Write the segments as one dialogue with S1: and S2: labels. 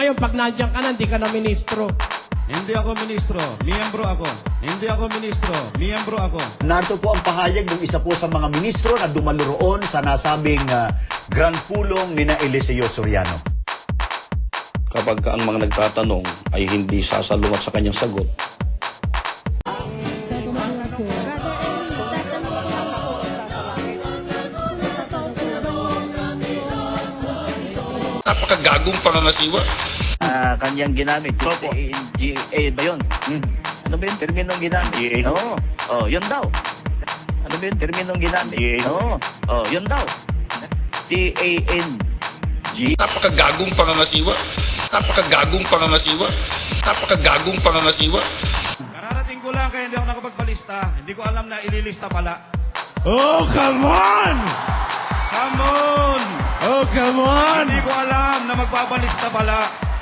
S1: ngayon, pag nandiyan ka na, hindi ka na ministro.
S2: Hindi ako ministro, miyembro ako. Hindi ako ministro, miyembro ako.
S3: Narito po ang pahayag ng isa po sa mga ministro na dumalo roon sa nasabing Grand Pulong ni na Eliseo Soriano.
S4: Kapag ang mga nagtatanong ay hindi sasalungat sa kanyang sagot,
S5: napakagagong pangangasiwa.
S6: Kanyang ginamit. GA ba yun? Ano ba yung terminong ginamit? Oo. Oh, yun daw. Ano ba yung terminong ginamit? Oo. Oh, yun daw. TANG.
S5: Napakagagong pangangasiwa. Napakagagong pangangasiwa. Napakagagong pangangasiwa.
S2: Kararating ko lang kaya hindi ako nakapagpalista. Hindi ko alam na ililista pala.
S1: Oh, come on!
S2: Come on!
S1: Oh, come on!
S2: Hindi ko alam na magpapalista pala.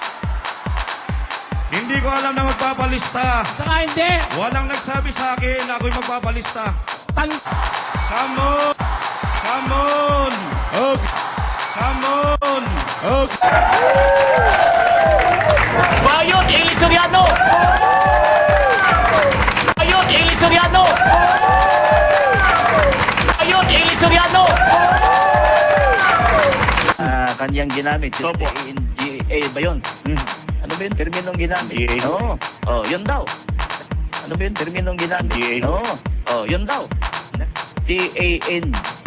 S2: Hindi ko alam na magpapalista.
S1: Saka hindi.
S2: Walang nagsabi sa akin na ako'y magpapalista.
S1: Tan
S2: Come on! Come on!
S1: oh,
S2: Come on!
S1: oh.
S6: Bayot, Eli Soriano! Bayot, Eli Soriano! Bayot, Eli Soriano! Kanyang ginamit. GA ba yun? Ano ba yung terminong ginamit? Oo. Oh, yun daw. Ano ba yung terminong ginamit? Oo. Oh, yun daw. TANG.